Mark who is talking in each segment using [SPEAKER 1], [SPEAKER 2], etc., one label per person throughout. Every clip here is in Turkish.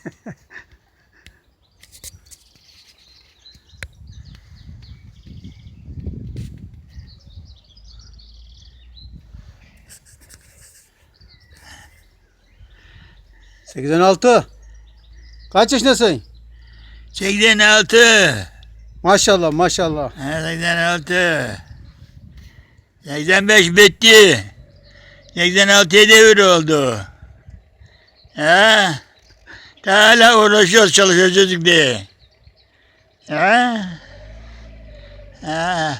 [SPEAKER 1] Seksen altı. Kaç yaşındasın?
[SPEAKER 2] 86.
[SPEAKER 1] Maşallah maşallah.
[SPEAKER 2] 86. 85 bitti. 86'ya devir oldu. Ha? Daha hala uğraşıyoruz, çalışıyoruz diye. Ha? Ha?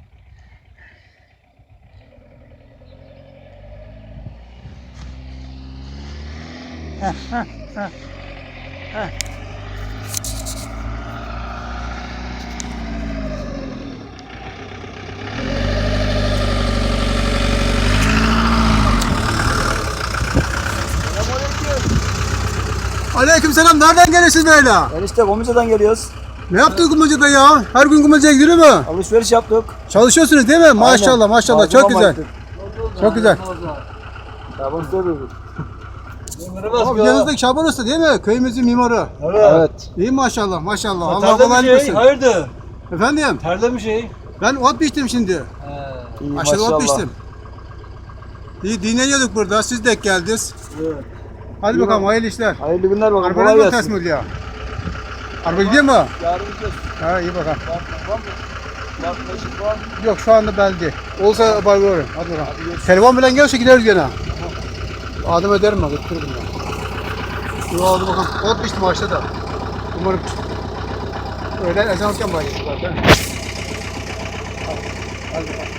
[SPEAKER 1] Aleykümselam. Nereden geliyorsunuz böyle?
[SPEAKER 3] Enişte Kumluca'dan geliyoruz.
[SPEAKER 1] Ne yaptın Kumluca'da ya? Her gün Kumluca'ya gidiyor mu?
[SPEAKER 3] Alışveriş yaptık.
[SPEAKER 1] Çalışıyorsunuz değil mi? Maşallah
[SPEAKER 3] Aynen.
[SPEAKER 1] maşallah. Çok
[SPEAKER 3] Malzeme
[SPEAKER 1] güzel.
[SPEAKER 3] baktık.
[SPEAKER 1] Çok güzel.
[SPEAKER 3] Şaban Usta dedik.
[SPEAKER 1] Abi yanınızdaki Şaban Usta değil mi? Köyümüzün mimarı.
[SPEAKER 3] Evet.
[SPEAKER 1] İyi maşallah maşallah. Allah
[SPEAKER 4] Terlemiş
[SPEAKER 1] kolaylık versin.
[SPEAKER 4] hayırdır?
[SPEAKER 1] Efendim?
[SPEAKER 4] Terlemiş şey.
[SPEAKER 1] Ben ot biçtim şimdi.
[SPEAKER 3] İyi
[SPEAKER 1] Aşağıda ot
[SPEAKER 3] maşallah.
[SPEAKER 1] biçtim. İyi dinleniyorduk burada. Siz de geldiniz.
[SPEAKER 4] Evet.
[SPEAKER 1] Hadi bakalım hayırlı işler.
[SPEAKER 3] Hayırlı günler bakalım.
[SPEAKER 1] Araba
[SPEAKER 3] Kolay
[SPEAKER 1] ne
[SPEAKER 3] gelsin.
[SPEAKER 1] teslim ya? Araba gidiyor mu?
[SPEAKER 3] Yarın gideceğiz.
[SPEAKER 1] Ha iyi bakalım.
[SPEAKER 3] Var mı? Taşıt var.
[SPEAKER 1] Yok şu anda belki. Olsa haber veririm. Hadi bakalım. Telefon bilen gelse gideriz gene. Adım ederim ben. Götürürüm ben. Yo hadi bakalım. Ot biçtim aşağıda. Umarım öğlen ezan okuyan başlayacak zaten. Hadi bakalım.